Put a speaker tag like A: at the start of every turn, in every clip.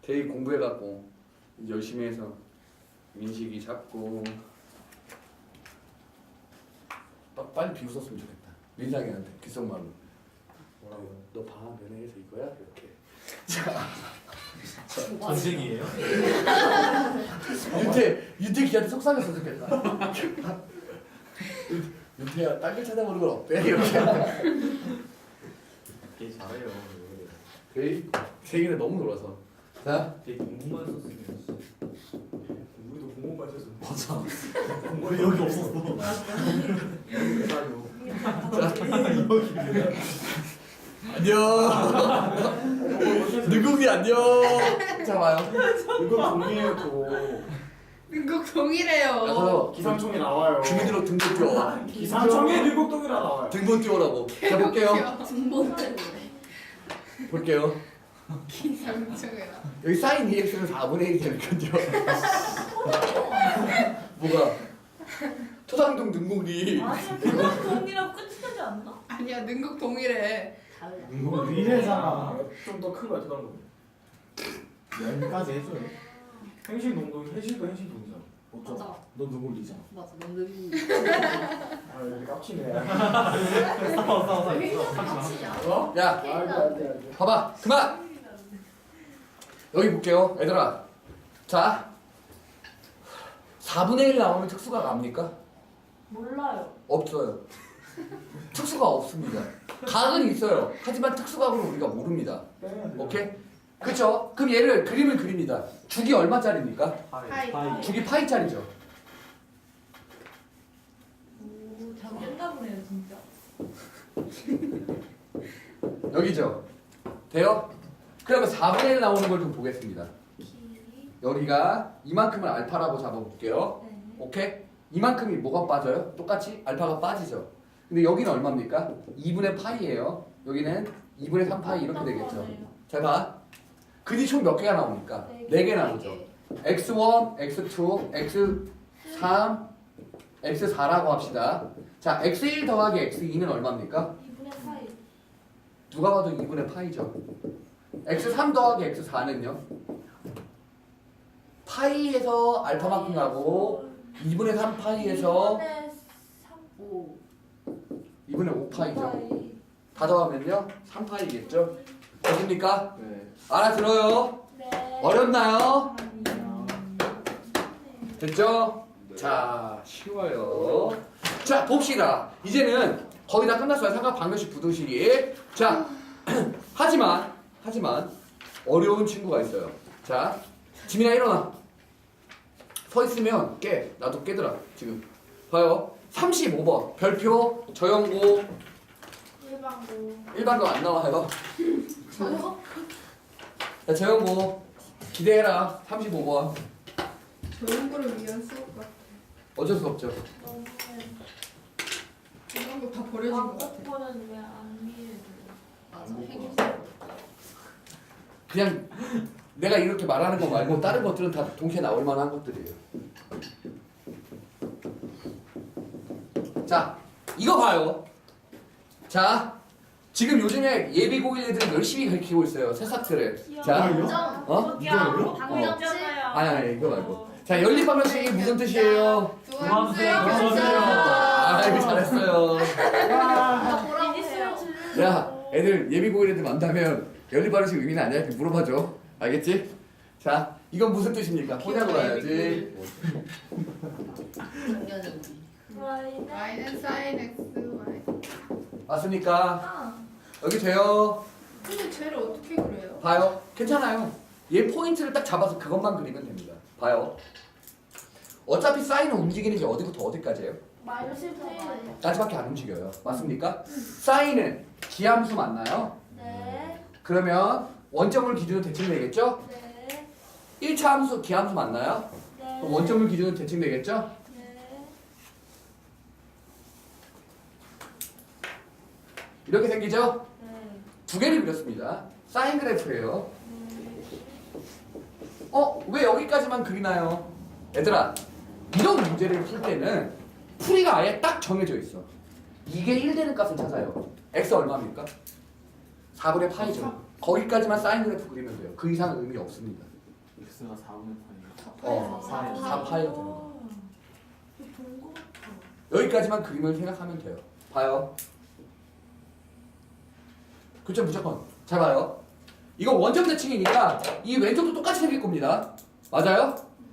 A: 되게 공부해갖고 열심히 해서 민식이 잡고 빨리 비웃었으면 좋겠다. 민상이한테 귓속말로 뭐라고? 너 방학 연애해서 이거야? 이렇게.
B: 전생이에요?
A: 윤태 기한테 속상했으면 좋겠다. 윤태야 딴 길 찾아보는 건 어때? 이렇게.
B: 되게 잘해요.
A: 세기는 너무 놀아서. 자,
B: 되게 공부만 썼으면.
C: 우리도 공부만 했어.
B: 맞아. 공부는 여기 없었어.
A: 안녕. 누구기 안녕. 자 봐요.
C: 이거 동의해요 또.
D: 능곡 동일해요.
A: 그래서
C: 기상청에 나와요.
A: 주민으로 등본 띄워.
C: 기상청에 능곡동이라 나와요.
A: 등본 띄우라고. 자 볼게요.
D: 등본 때문에.
A: 볼게요.
D: 기상청이라.
A: 여기 사인 EX는 4분의 1이 되는 거죠. 뭐가? 토상동 능곡이.
E: 아니 그건 동이랑 끝이 되지 않나?
D: 아니야 능곡 동일해.
E: 달라.
C: 이거 미래잖아. 좀 더 큰 거야 다른 거.
B: 여기까지 해줘요.
C: 행신 동동, 해신도 해신 동이잖아.
D: 맞아.
B: 너 누구 리잖아.
D: 맞아 넌
C: 아 여기 깝치네.
B: 싸워.
C: 어?
A: 야,
C: 안돼.
A: 봐봐. 그만. 여기 볼게요, 얘들아. 자, 4분의 1 나오면 특수가 납니까?
E: 몰라요.
A: 없어요. 특수가 없습니다. 각은 있어요. 하지만 특수각은 우리가 모릅니다. 오케이? 그쵸? 그럼 얘를 그림을 그립니다. 죽이 얼마짜리입니까?
D: 파이.
A: 죽이 파이짜리죠.
E: 오, 잘 됐나 보네요 진짜.
A: 여기죠? 돼요? 그러면 4분의 1 나오는 걸 좀 보겠습니다.
E: 길이.
A: 여기가 이만큼을 알파라고 잡아볼게요.
E: 네.
A: 오케이? 이만큼이 뭐가 빠져요? 똑같이 알파가 빠지죠. 근데 여기는 얼마입니까? 2분의 파이예요. 여기는 2분의 3파이 이렇게 되겠죠. 자 봐. 근이 총 몇 개가 나옵니까? 4개 나오죠. x1, x2, x3, x4라고 합시다. 자, x1 더하기 x2는 얼마입니까?
E: 2분의 파이.
A: 누가 봐도 2분의 파이죠. x3 더하기 x4는요? 파이에서 알파만큼 가고 2분의 3파이에서
E: 2분의 3. 5.
A: 2분의 5파이죠. 다 더하면요? 3파이겠죠? 됐습니까?
C: 네.
A: 알아들어요?
E: 네.
A: 어렵나요?
E: 아니요.
A: 됐죠? 자, 쉬워요. 자, 봅시다. 이제는 거의 다 끝났어요. 삼각 방정식 부등식이. 자, 하지만 어려운 친구가 있어요. 자, 지민아 일어나. 서 있으면 깨. 나도 깨더라. 지금. 봐요. 35번. 별표 저형고
E: 일반고.
A: 일반도 안 나와요.
E: 저요?
A: 자, 저형고 기대해라. 35번.
D: 조용구를 위한 수업 같아.
A: 어쩔 수 없죠.
E: 너무.
D: 이런 거 다 버려진 것 같아.
E: 거는 왜안 미해줘요?
D: 맞아. 행위.
A: 그냥 내가 이렇게 말하는 거 말고 다른 것들은 다 동시에 나올 만한 것들이에요. 자, 이거 봐요. 자, 지금 요즘에 예비 고일 애들은 열심히 가르치고 있어요. 새싹들을. 자, 어?
E: 방정잖아요.
A: 아니, 이거 말고. 자, 연립방정식이 무슨 뜻이에요?
D: 도와주세요.
A: 아, 이거 잘했어요.
E: 이니스를
A: 야, 애들 예비 고일 애들 만나면 연립방정식 의미는 아니야? 이렇게 물어봐줘. 알겠지? 자, 이건 무슨 뜻입니까? 혼자로 가야지.
D: y는 sin x y.
A: 맞습니까? 여기 돼요.
D: 근데 쟤를 어떻게 그래요?
A: 봐요. 괜찮아요. 얘 포인트를 딱 잡아서 그것만 그리면 됩니다. 봐요. 어차피 사인은 움직이는 게 어디부터 어디까지예요?
E: 마이너스 1.
A: 까지밖에 안 움직여요. 맞습니까? 사인은 기함수 맞나요?
E: 네.
A: 그러면 원점을 기준으로 대칭되겠죠?
E: 네.
A: 1차 함수 기함수 맞나요?
E: 네.
A: 그럼 원점을 기준으로 대칭되겠죠?
E: 네.
A: 이렇게 생기죠?
E: 네.
A: 두 개를 그렸습니다. 사인 그래프예요. 왜 여기까지만 그리나요? 얘들아, 이런 문제를 풀 때는 풀이가 아예 딱 정해져 있어. 이게 1 되는 값을 찾아요. x 얼마입니까? 4분의 파이죠. 거기까지만 사인 그래프 그리면 돼요. 그 이상은 의미 없습니다.
B: x가 4분의 8이니까.
A: 어, 4파이가 되는 거.
E: 본거 같아.
A: 여기까지만 그림을 생각하면 돼요. 봐요. 그쵸 무조건. 잘 봐요. 이거 원점 대칭이니까 이 왼쪽도 똑같이 생길 겁니다. 맞아요?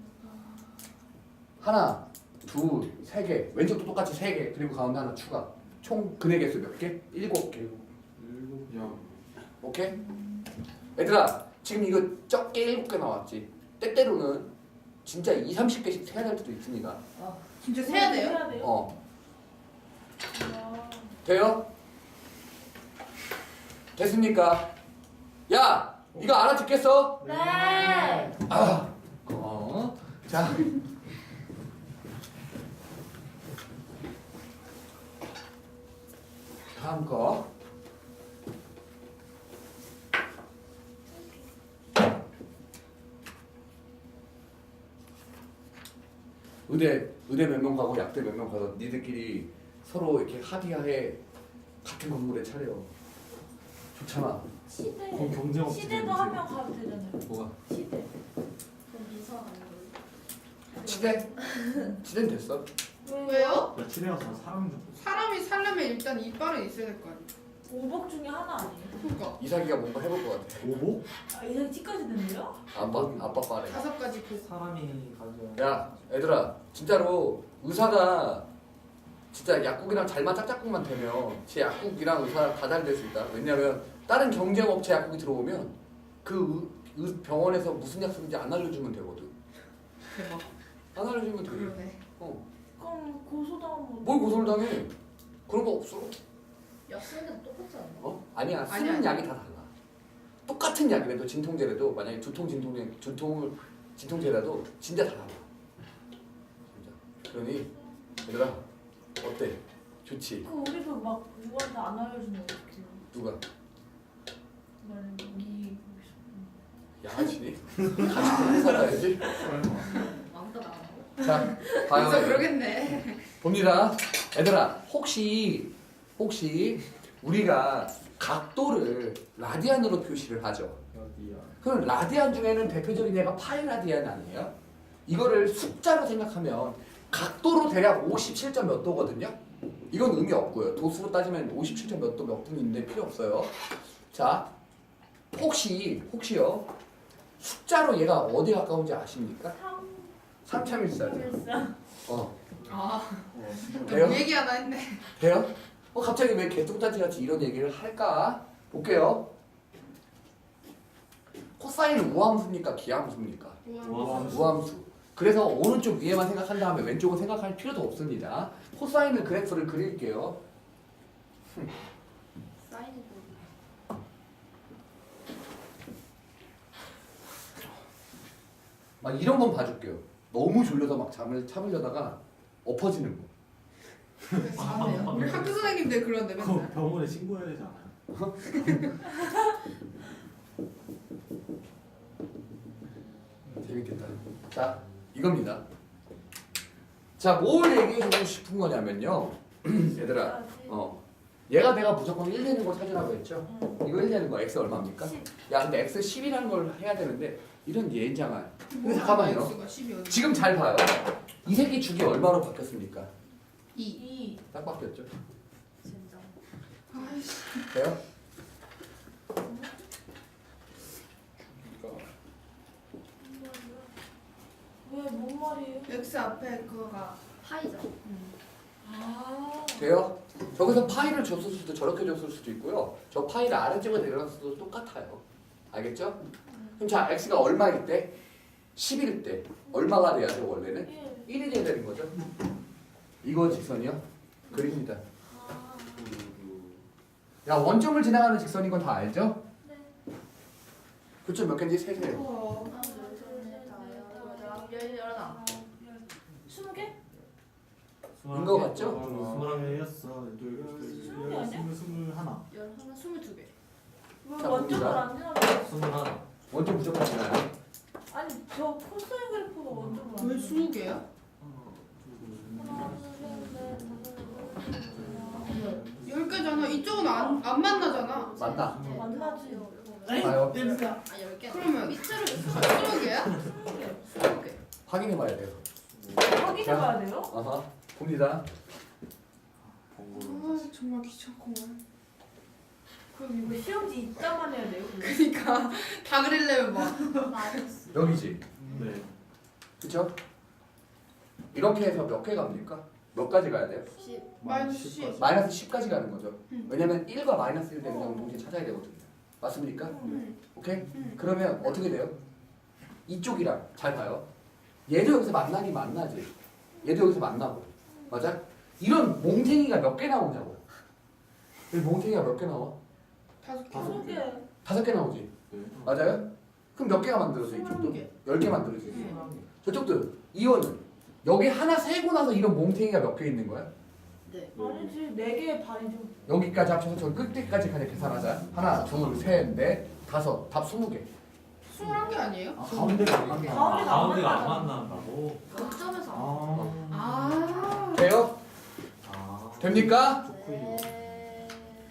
A: 하나, 둘, 세 개. 왼쪽도 똑같이 세 개. 그리고 가운데 하나 추가. 총 근의 개수 몇 개? 7개.
B: 7야.
A: 오케이? 얘들아 지금 이거 적게 7개 나왔지. 때때로는 진짜 2, 30개씩 세야 될 수도 있습니다.
D: 진짜 세야 돼요?
E: 해야 돼요?
A: 어.
E: 아,
A: 돼요? 됐습니까? 야! 이거 알아듣겠어?
E: 네.
A: 아! 자. 다음 거. 의대 몇 명 가고 약대 몇 명 가서 니들끼리 서로 이렇게 합의하에 같은 건물에 차려. 좋잖아.
E: 시대.
B: 그럼 경쟁 없지.
E: 시대도 한 명 가도 되잖아요.
A: 뭐가?
E: 시대.
D: 그럼 이사 안
A: 치대? 치대는 됐어.
D: 왜요?
B: 야, 집에 가서 사람 좀.
D: 사람이 살려면 일단 이빨은 있어야 될 거 아니에요?
E: 오복 중에 하나 아니에요?
D: 그러니까
A: 이삭이가 뭔가 해볼 것 같아.
B: 오보?
E: 아, 이제 티까지 됐네요?
A: 아빠 빠래.
D: 5가지 그
C: 사람이 가져야.
A: 야, 얘들아, 진짜로 의사가 진짜 약국이랑 잘만 짝짝꿍만 되면 제 약국이랑 의사랑 다 잘 될 수 있다. 왜냐면 다른 경쟁 업체 약국이 들어오면 그 병원에서 무슨 약 쓰는지 안 알려주면 되거든.
D: 대박.
A: 안 알려주면 돼.
D: 그러네.
E: 그럼 고소당하면
A: 뭘 고소를 당해? 그런 거 없어.
F: 약 쓰는 게 똑같지 않나?
A: 어? 아니야. 쓰는
D: 아니야.
A: 약이 다 달라. 똑같은 약이라도 진통제라도 만약에 두통 진통제라도 진짜 다 달라. 진짜. 그러니 얘들아 어때? 좋지?
E: 그 우리도 막 누구한테 안 알려주면 어떡해요?
A: 누가?
E: 이
A: 야하지? 같이 그렇게 살아야지.
F: 왕따 나가고?
A: 자,
D: 그래서
A: 봐요.
D: 그러겠네.
A: 봅니다. 얘들아, 혹시 우리가 각도를 라디안으로 표시를 하죠.
C: 어디야?
A: 그럼 라디안 중에는 대표적인 얘가 파이 라디안 아니에요? 이거를 숫자로 생각하면 각도로 대략 57점 몇 도거든요. 이건 의미 없고요. 도수로 따지면 57점 몇 도 몇 분인데 필요 없어요. 자, 혹시요. 숫자로 얘가 어디 가까운지 아십니까? 3.14죠.
D: 아,
A: 돼요?
D: 그 얘기 하나 했네.
A: 돼요? 갑자기 왜 개똥단지 같이 이런 얘기를 할까? 볼게요. 코사인은 우함수입니까? 기함수입니까? 우함수. 그래서 오른쪽 위에만 생각한 다음에 왼쪽은 생각할 필요도 없습니다. 코사인은 그래프를 그릴게요.
F: 사인이
A: 막 이런 건 봐줄게요. 너무 졸려서 막 잠을 참으려다가 엎어지는 거.
D: 잘하네요. 우리 학교 선생님들 그런데
B: 그거
D: 맨날.
B: 병원에 신고해야 되지 않아요?
A: 재밌겠다. 자, 이겁니다. 자, 뭘 얘기해주고 싶은 거냐면요. 얘들아, 얘가 내가 무조건 1 되는 걸 찾으라고 했죠? 이거 1 되는 거 x 얼마입니까? 야, 근데 x 10이라는 걸 해야 되는데 이런 예인장아. 근데 잠깐만요.
D: X가 10이 어디?
A: 지금 잘 봐요. 이 새끼 주기 얼마로 바뀌었습니까?
D: 2.
A: 딱 바뀌었죠?
F: 진짜.
D: 아이씨.
A: 돼요?
E: 왜뭔 말이에요?
D: X 앞에 그거가
F: 파이죠.
E: 아.
A: 돼요? 저기서 파이를 줬을 수도 저렇게 줬을 수도 있고요. 저 파이를 아래쪽에 내려놨어도 똑같아요. 알겠죠? 그럼 자, x가 얼마일 때? 10일 때 얼마가 돼야 돼 원래는? 1이 돼야 되는 거죠. 이거 직선이요? 그립니다.
E: 아.
A: 야, 원점을 지나가는 직선인 건 다 알죠?
E: 네.
A: 그쵸, 몇 개인지 세세요.
D: 우와.
F: 하나, 둘, 셋, 넷, 다섯, 여섯, 열하나.
E: 20개?
A: 인거 같죠?
B: 21개, 6, 2,
E: 20개 아니야?
B: 21.
D: 열하나 22개.
E: 왜
A: 자,
E: 원점을
A: 봅니다.
E: 안 지나가요?
B: 21.
A: 원점 무조건 지나요.
E: 아니 저 코사인 그래프가 원점을 안
D: 왜
E: 지나가요?
D: 20개야?
E: 하나, 둘, 셋, 넷, 다섯, 여섯, 일곱, 여덟,
D: 10개잖아. 이쪽은 안 만나잖아.
A: 맞나?
E: 만나지.
A: 봐요.
F: 아 10개.
D: 그러면
F: 밑으로
D: 20개야? 20개.
A: 확인해봐야 돼요.
E: 확인해봐야 돼요?
A: 아하. 봅니다.
B: 번거로워.
D: 아 정말 귀찮구만.
E: 그럼 이거 시험지 입자만 해야 돼요?
D: 그니까 다 그리려면 막.
F: 마이너스.
A: 여기지.
B: 네.
A: 그쵸? 이렇게 해서 몇 개 갑니까? 몇 가지 가야 돼요?
F: 10.
D: 마이너스 10.
A: 마이너스 10까지 가는 거죠.
D: 응.
A: 왜냐면 1과 마이너스 1 되는 건 동시에 찾아야 되거든요. 맞습니까?
D: 응.
A: 오케이?
D: 응.
A: 그러면 어떻게 돼요? 이쪽이랑 잘 봐요. 얘도 여기서 만나긴 만나지. 얘도 여기서 만나고. 맞아? 이런 몽탱이가 몇 개 나오냐고. 이 몽탱이가 몇 개 나와?
D: 5개.
E: 5개.
A: 5개 나오지.
B: 네.
A: 맞아요? 그럼 몇 개가 만들어져 이쪽도?
D: 20개.
A: 10개 만들어지지. 저쪽도 이원은 여기 하나 세고 나서 이런 몽탱이가 몇 개 있는 거야?
F: 네.
E: 아니지 4개의 반이죠.
A: 여기까지 합쳐서 저 끝까지 그냥 계산하자. 하나, 둘, 셋, 넷, 다섯. 답 20개.
D: 21개 아니에요?
B: 아, 가운데가 안 만나.
E: 가운데가 안
C: 안 만난다고?
F: 극점에서 안
B: 아.
D: 아.
A: 돼요?
B: 아.
A: 됩니까?
F: 네.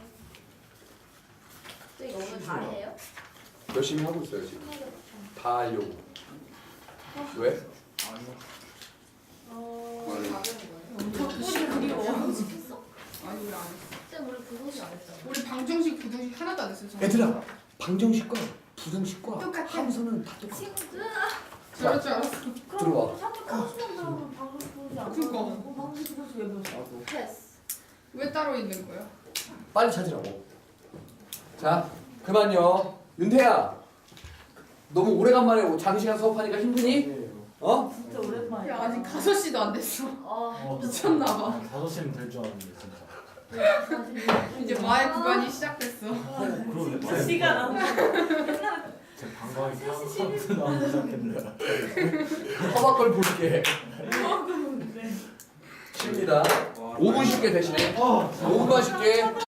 F: 저 이거 오늘 다 해요?
A: 열심히 하고 있어요 지금. 다 하려고. 왜?
F: 다 되는 거예요?
D: 덕분이 그리워.
F: 시켰어?
D: 아니 왜안 했어?
F: 쌤 우리 부동식 안 했잖아.
D: 우리 방정식 부동식 하나도 안 했어.
A: 얘들아, 방정식과 부등식과
D: 똑같아.
A: 함수는 다 똑같아.
F: 친구들.
D: 저럴 줄 알았어.
A: 들어와.
E: 사실 코스만 들어오면 방송 보지 않고.
D: 그거.
E: 방송 보지 왜 보지?
F: 패스.
D: 왜 따로 있는 거야?
A: 빨리 찾으라고. 자, 그만요. 윤태야, 너무 오래간만에 장시간 수업하니까 힘드니? 어?
E: 진짜 오랜만이야.
D: 야 아직 5시도 안 됐어.
F: 아.
D: 미쳤나 봐.
C: 5시면 될 줄 알았는데 진짜.
D: 이제 마의 구간이 시작됐어.
C: 그러게.
E: 시간 안 돼.
C: 제 방광이 사람들 나오기 시작했네.
A: 허벅걸 볼게. 쉽니다. 5분 쉽게 대신에 5분만 쉽게.